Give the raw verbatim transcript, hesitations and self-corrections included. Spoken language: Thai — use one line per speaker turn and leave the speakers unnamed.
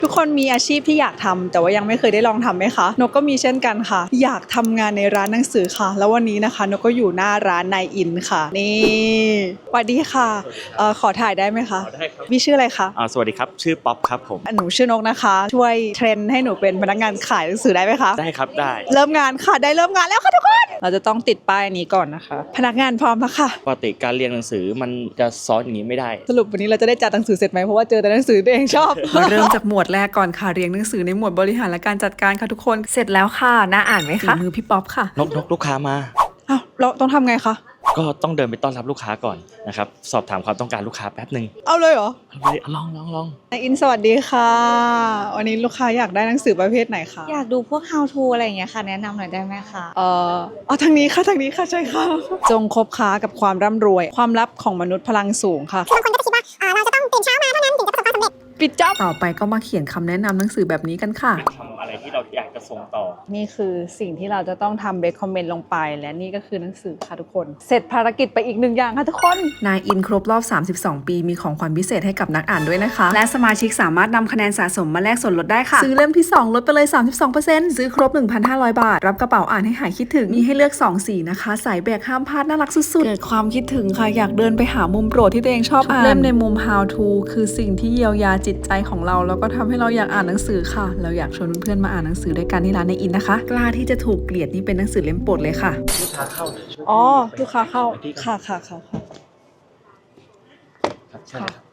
ทุกคนมีอาชีพที่อยากทำแต่ว่ายังไม่เคยได้ลองทำไหมคะนกก็มีเช่นกันค่ะอยากทำงานในร้านหนังสือค่ะแล้ววันนี้นะคะนกก็อยู่หน้าร้านนายอินค่ะนี่สวัสดีค่ะเอ่อขอถ่ายได้ไหมคะ
ได้ครับ
พี่ชื่ออะไรคะ
อ่าสวัสดีครับชื่อป๊อปครับผม
หนูชื่อนกนะคะช่วยเทรนให้หนูเป็นพนักงานขายหนังสือได้ไหมคะ
ได้ครับได้
เริ่มงานค่ะได้เริ่มงานแล้วค่ะทุกคนเราจะต้องติดป้ายนี้ก่อนนะคะพนักงานพร้อมแล้วค่ะ
ปกติการเรียนหนังสือมันจะซ้อนอย่างนี้ไม่ได้
สรุปวันนี้เราจะได้จัดหนังสือเสร็จไหมเพราะว่าเจอแต่หนังสือตัวเองชอบ
มาเริ่มจากหมวดแรกก่อนค่ะเรียงหนังสือในหมวดบริหารและการจัดการค่ะทุกคนเสร็จแล้วค่ะน่าอ่านไหมคะมือพี่ป๊อปค่ะ
นกนกลูกค้ามา
อ้าวเราต้องทำไงคะ
ก็ต้องเดินไปต้อนรับลูกค้าก่อนนะครับสอบถามความต้องการลูกค้าแป๊บหนึ่ง
เอาเลยเหรอ
เอาเลยลองลองลอง
นายอินสวัสดีค่ะวันนี้ลูกค้าอยากได้หนังสือประเภทไหนคะ
อยากดูพวก how to อะไรอย่างเงี้ยค่ะแนะนำหน่อยได้ไหมคะ
เอ่อเอาทางนี้ค่ะทางนี้ค่ะใช่ค่ะจงคบค้ากับความร่ำรวยความลับของมนุษย์พลังสูงค่ะ
คือบางคนก็จะคิดว่าเอ่อเราจะต้องตื่นเช้ามาเท่านั้นถึงจะประสบความสำเร็จ
ปิดจ็อบ
ต่อไปก็มาเขียนคำแนะนำหนังสือแบบนี้กันค่ะ
ทำอะไรที่เราอยากจะส่งต่อ
นี่คือสิ่งที่เราจะต้องทำเบคคอมเมนต์ลงไปและนี่ก็คือหนังสือค่ะทุกคนเสร็จภารกิจไปอีกหนึ่งอย่างค่ะทุกคน
นายอินครบรอบสามสิบสองปีมีของขวัญพิเศษให้กับนักอ่านด้วยนะคะและสมาชิกสามารถนำคะแนนสะสมมาแลกส่วนลดได้ค่ะซื้อเล่มที่สองลดไปเลย สามสิบสองเปอร์เซ็นต์ ซื้อครบ หนึ่งพันห้าร้อย บาทรับกระเป๋าอ่านให้หายคิดถึงมีให้เลือกสองสีนะคะสายแบกห้ามพลาดน่ารักสุดๆเกิดความคิดถึงค่ะอยากเดินไปหามุมโปรดที่ตัวเองชอบอ่านเล่มในมุม how to คือสิ่งที่เยียวยาจิตใจของเราแล้วก็ทำให้เราอยากอ่านหนังสือค่ะเราอยากชวนเพื่อนๆมาอ่านหนังสือด้วยกันที่ร้านนายอินนะคะกล้าที่จะถูกเกลียดนี่เป็นหนังสือเล่มโปรดเลยค่ะ
ลูกค้าเข้าเลย
อ๋อลูกค้าเข้าค่ะค่ะค่ะค่ะ
ครับใช่ครับ